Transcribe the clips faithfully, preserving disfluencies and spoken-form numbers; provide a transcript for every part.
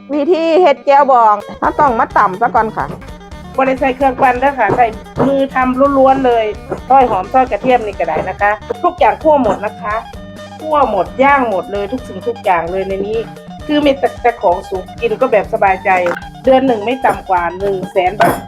วิธีเฮ็ดแจ่วบองเราต้องมาตำซะก่อนค่ะบริใส่เครื่องปั่นด้วยค่ะใส่มือทำล้วนๆเลยซอยหอมซอยกระเทียมนี่ก็ได้นะคะ ทุกอย่างคั่วหมดนะคะคั่วหมดย่างหมดเลยทุกสิ่งทุกอย่างเลยในนี้คือมีแต่แต่ของสุกกินก็แบบสบายใจเดือนหนึ่งไม่ต่ำกว่าหนึ่งแสนบาท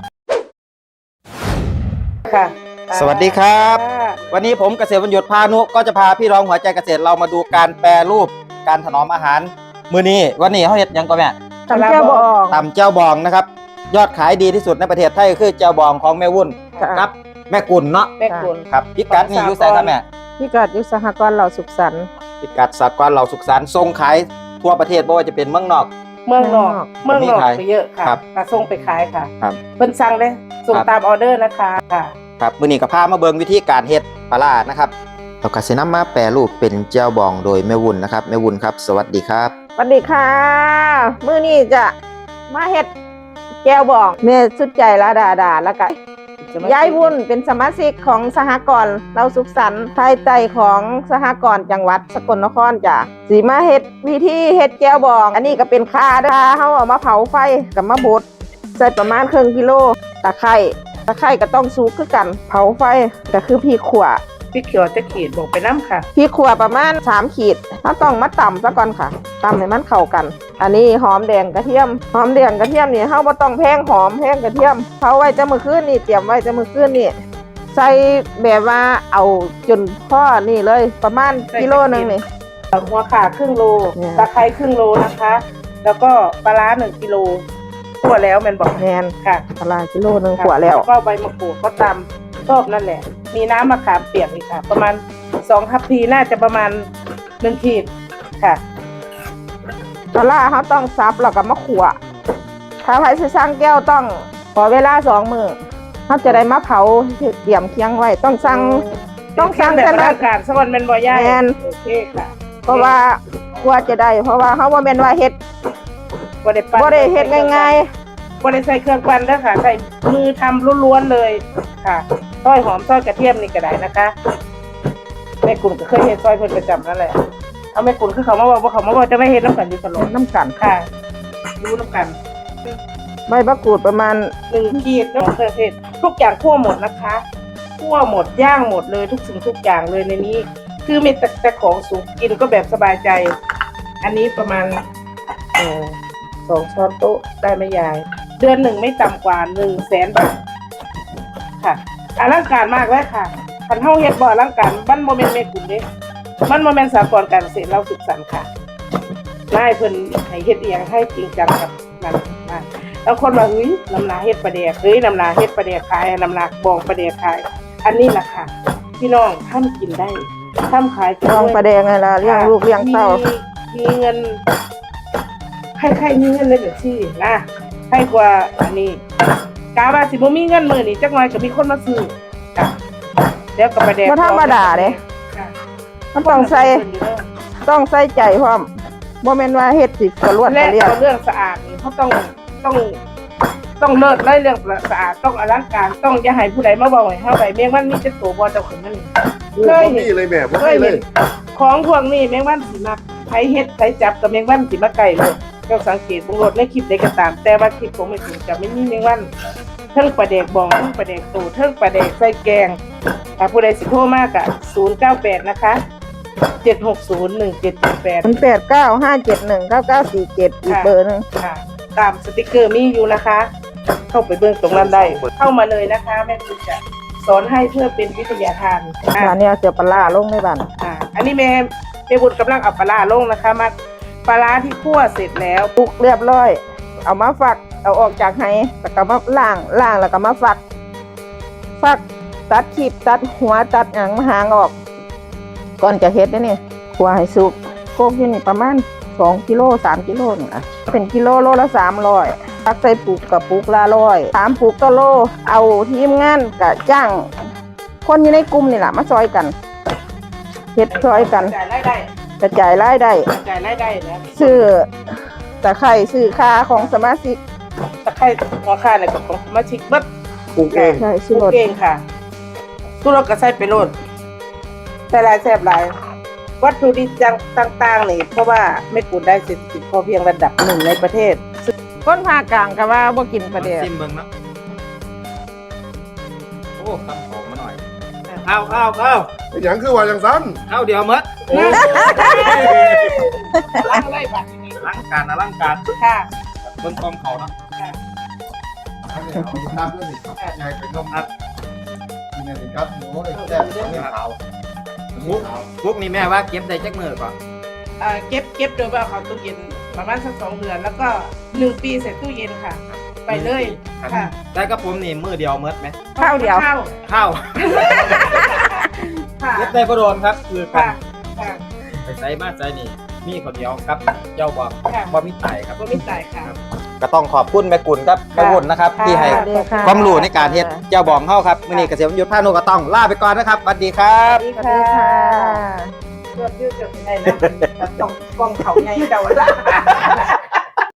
ค่ะสวัสดีครับวันนี้ผมเกษตรวันหยุดพานุก็จะพาพี่น้องหัวใจเกษตรเรามาดูการแปรรูปการถนอมอาหารมื้อนี้วันนี้เขาเฮ็ดยังก็แม่ตำแจ่วบองตำแจ่วบองนะครับยอดขายดีที่สุดในประเทศไทยคือแจ่วบองของแม่วุ่นครับแม่กุลเนาะแม่กุลครับพิกัดนี่อยู่ไสครับแม่พิกัดอยู่สหกรณ์เหล่าสุขสันต์พิกัดสหกรณ์เหล่าสุขสันต์ส่งขายทั่วประเทศบ่ว่าจะเป็นเมืองนอกเมืองนอกเมืองนอกไปเยอะค่ะกระส่งไปขายค่ะครับเพิ่นสั่งเลยส่งตามออเดอร์นะคะค่ะครับมื้อนี้ก็พามาเบิ่งวิธีการเฮ็ดปลาร้านะครับเราก็สินำมาแปรรูปเป็นแจ่วบองโดยแม่วุ่นนะครับแม่วุ่นครับสวัสดีครับสวัสดีค่ะมื้อนี้จะมาเฮ็ดแจ่วบองแม่สุดใจละดาดาแล้วก็ยายวุ่นเป็นสมาชิกของสหกรณ์เราสุขสันต์ภายใต้ของสหกรณ์จังหวัดสกลนครจ้ะสีมาเฮ็ดวิธีเฮ็ดแจ่วบองอันนี้ก็เป็นข่าเด้อเฮาเอามาเผาไฟกับมาบดใส่ประมาณครึ่งกิโลตะไคร้ตะไคร้ก็ต้องสุกคือกันเผาไฟก็คือพริกขั่วพริกเขียวจะขีดบอกไปน้ำค่ะพริกขั่วประมาณสามขีดเราต้องมาตำซะก่อนค่ะตำให้มันเข้ากันอันนี้หอมแดงกระเทียมหอมแดงกระเทียมนี่เฮาบ่ต้องแพงหอมแพงกระเทียมเผาไว้จะมื้อคืนนี่เตรียมไว้จะมื้อคืนนี่ใส่แบบว่าเอาจนพอนี่เลยประมาณกิโลนึงนี่หัวข่าครึ่งโลตะไคร้ครึ่งโลนะคะแล้วก็ปลาร้าหนึ่งกิโลขั่วแล้วแม่นบอกแม่นค่ะปลาร้ากิโลนึงขั่วแล้วก็ใบมะกรูดก็ตำชอบนั่นแหละมีน้ำมะขามเปียกอีกค่ะประมาณสองทัพพีน่าจะประมาณหนึ่งขีดค่ะปลาร้าเขาต้องซับแล้วก็มาขั่วถ้าใครสิสั่งแก้วต้องขอเวลาสองมื้อเขาจะได้มาเผาเตรียมเคียงไว้ต้องสั่งต้องสั่งแบบร่างกายสวรรค์เป็นบ่ย่ายโอเคค่ะเพราะว่ากว่าจะได้เพราะว่าเขาว่าเป็นว่าเฮ็ดบ่ได้บ่ได้เฮ็ดง่ายๆบ่ได้ใส่เครื่องปั่นด้วยค่ะใส่มือทำล้วนๆเลยค่ะซอยหอมซอยกระเทียมนี่ก็ได้นะคะแม่กุลก็เคยเฮ็ดซอยเพิ่นประจำนั่นแหละเอาแม่กุลคือเขามาบอกว่าเขามาบอกจะไม่เฮ็ดน้ำกันอยู่ตลอดน้ำกันค่ะรู้น้ำกันใบมะกรูดประมาณหนึ่งขีดน้ำเครื่องเทศทุกอย่างคั่วหมดนะคะคั่วหมดย่างหมดเลยทุกสิ่งทุกอย่างเลยในนี้คือมีแต่แต่ของสุกกินก็แบบสบายใจอันนี้ประมาณเอ่อสองช้อนโต๊ะได้ไหมยายเดือนหนึ่งไม่ต่ำกว่าหนึ่งแสนบาทค่ะอลังการมากเลยค่ะคันเฮาเฮ็ดบ่อลังการบ้านโมเมนต์แม่กุลเด้มันโมเมนต์สากลการเกษตรเราสุขสันต์ค่ะได้เพิ่นให้เฮ็ดเองให้จริงจังกับนั่นมากแล้วคนว่าเฮ้ยน้ำนาเฮ็ดปลาแดกเฮ้ยน้ำนาเฮ็ดปลาแดกขายน้ำนาบองปลาแดกขายอันนี้แหละค่ะพี่น้องท่านกินได้ท่านขายบองปลาแดกไงล่ะเลี้ยงลูกเลี้ยงเต้ามีเงินใครๆมีเงินเลยแบบที่นะให้กว่าอันนี้กาว่าสิบ่มีเงินมื้อนี้จักหน่อยก็มีคนมาซื้อค่ะแล้วก็ปลาแดกบ่ธรรมดาเด้มันต้องใส่ต้องใส่ใจพร้อมบ่แม่นว่าเฮ็ดสิกระลวดกระเลียดเรื่องสะอาดนี่เขาต้องต้องต้องเลิศเลยเรื่องสะอาดต้องอลังการต้องอย่าให้ผู้ใดมาบอกให้เฮาไปแมงวันมีจะโตบ่เจ้าขึ้นนั่นเคยเห็นเลยแม่บ่เคยเลยของพวกนี้แมงวันสิมักไผเฮ็ดไผจับกับแมงวันสิมาใกล้เลยเจ้าสังเกตบ่รถในคลิปใดก็ตามแต่ว่าคลิปผมไม่ถึงจะไม่มีแมงวันเทิงปลาแดกบองเทิงปลาแดกโตเทิงปลาแดกใส่แกงถ้าผู้ใดสิโทรมาก็ศูนย์เก้าแปดนะคะเจ็ดหกศูนย์ หนึ่งเจ็ดแปดแปดเก้า ห้าเจ็ดหนึ่ง เก้าเก้าสี่เจ็ดอีกเบอร์นึงค่ะตามสติกเกอร์มีอยู่นะคะเข้าไปเบิ่งตรงนั้นได้เข้ามาเลยนะคะแม่ครูจะสอนให้เพื่อเป็นวิทยาทานอันนี้เอาเสือปลาลงในบ้านอ่าอันนี้แม่แม่บุญกำลังเอาปลาลงนะคะมาปลาที่คั่วเสร็จแล้วปรุกเรียบร้อยเอามาฝักเอาออกจากไหแล้วก็มาล้างล้างแล้วก็มาฝักฝักตัดขีบตัดหัวตัดหางหางออกก่อนจะเฮ็ดนี่คั่วให้สุกโคกอยู่นี่ประมาณสองกิโลสามกิโลนี่นะเป็นกิโลโลละสามร้อยตักใส่ปุกกับปุกละร้อยสามปุกต่อโลเอาทีมงานกับจ้างคนอยู่ในกลุ่มนี่แหละมาซอยกันเฮ็ดซอยกันกระจายรายได้กระจายรายได้นะซื้อตะไคร้ซื้อค่าของสมาชิกตะไคร้หัวข่าเนี่ยของสมาชิกเบิดปลูกเองใช่ปลูกเองค่ะตู้รถก็ใส่ไปโลดแต่หลายแซ่บหลายวัตถุดิบต่างๆนี่เพราะว่าไม่กุลได้เศรษฐกิจพอเพียงระดับหนึ่งในประเทศคนภาคกลางก็ว่าบ่กินปลาแดกซิมเบิ่งเนาะโอ้คำของมาหน่อยข้าวข้าวข้าวไอ้หยังคือว่าอย่างซ้ข้าวเดียวหมดล้างอะไรบัดนี้ล้างการนะล้างการค่ะเบิ่งกองเขาเนาะค่ะำอันนี้เอาไปน้ำด้วยนี่ครับยายไปนมครับกินอันนี้ครับโอ้ยแซ่บอันนี้ขาวอันนี้ขาวพวกนี้แม่ว่าเก็บได้จักมือก่อนเอ่อเก็บเก็บโดยว่าเขาตู้เย็นประมาณสักสองเดือนแล้วก็หนึ่งปีเสร็จตู้เย็นค่ะ ไปเลยค่ะแต่กับผมนี่มือเดียวหมดไหมข้าวเดียวข้าวข้าวค่ะเก็บได้ก็โดนครับคือกัค่ะนค่ะไปใส่มาใส่นี่มีคนเดียวครับเจ้าบอกค่ะบ่มีไตครับก็ไม่จ่ายค่ะก็ต้องขอบคุณแม่กุลครับแม่กุลนะครับค่ะที่ให้สวัสดีค่ะความรู้ในการเฮ็ดเจ้าบองเข้าครับมื้อนี้เกษตรยุทธพานุก็ต้องลาไปก่อนนะครับสวัสดีครับสวัสสวัสดีค่ะเลือดยืดจนไงนะต้องกล้องเขาไงเดาละ